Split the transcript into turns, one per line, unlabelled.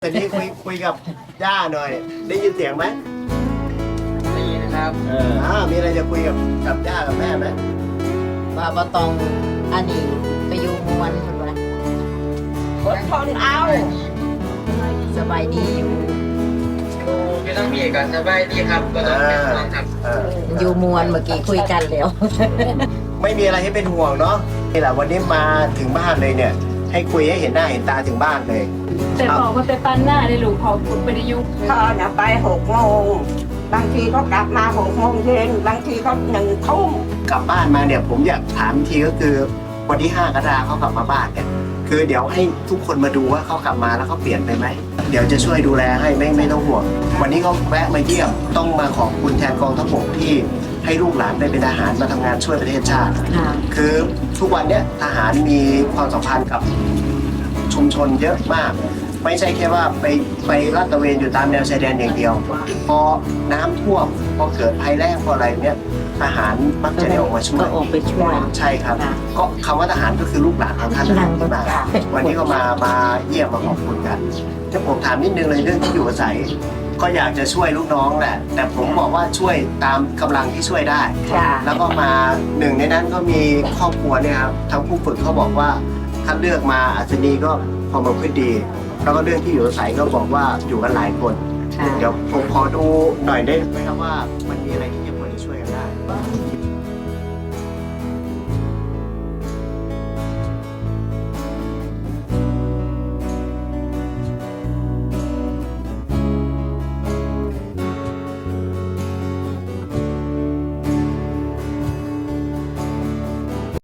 ตอนนี้คุยกับย่าหน่อย ได้ยินเสียงไหม
ได้ยินนะครับ
มีอะไรจะคุยกับย่ากับแม่ไหม
ว่าบ่ต้องอันนี้ไปอยู่มวนคนว่าอดทนเอาสบายดีอยู่
ไม่ต้องมีกันสบายดีครับก็ต้องเป็นห่วงครับ
อยู่มวนเมื่อกี้คุยกันแล้ว
ไม่มีอะไรให้เป็นห่วงเนาะนี่แหละวันนี้มาถึงบ้านเลยเนี่ย ให้คุยให้เห็นหน้าเห็นตาถึงบ้านเลย
แต่บอกว่าไปปั้นหน้าได้ลูกพอคุณไปได้ยุค
เขาน่ะไป6 โมงบางทีก็กลับมา6 โมงเย็นบางทีก็1 ทุ่ม
กลับบ้านมาเนี่ยผมอยากถามทีก็คือวันที่5 กรกฎาคมเขากลับมาบ้านเนี่ยคือเดี๋ยวให้ทุกคนมาดูว่าเขากลับมาแล้วเขาเปลี่ยนไปไหมเดี๋ยวจะช่วยดูแลให้ไม่ต้องห่วงวันนี้เขาแวะมาเยี่ยมต้องมาขอบคุณแทนกองทัพบกที่ให้ลูกหลานได้เป็นทหารมาทำงานช่วยประเทศชาติคือทุกวันเนี้ยทหารมีความสัมพันธ์กับชุมชนเยอะมากไม่ใช่แค่ว่าไปลาดตระเวนอยู่ตามแนวชายแดนอย่างเดียวพอน้ำท่วมพอเกิดภัยแล้งพออะไรเนี้ยทหารมักจะได้ออกมาช่วยใช่ครับก็คำว่าทหารก็คือลูกหลานของท่านที่มาวันนี้ก็มาเยี่ยมมาขอบคุณกันถ้าผมถามนิดนึงเลยเรื่องที่อยู่อาศัยก็อยากจะช่วยลูกน้องแหละแต่ผมบอกว่าช่วยตามกำลังที่ช่วยได้แล้วก็มาหนึ่งในนั้นก็มีครอบครัวเนี่ยครับทางผู้ฝึกเขาบอกว่าถ้าเลือกมาอัศนีก็พอมาพูดดีแล้วก็เรื่องที่อยู่อาศัยก็บอกว่าอยู่กันหลายคนเดี๋ยวผมขอดูหน่อยได้ไหมครับว่ามันมีอะไรที่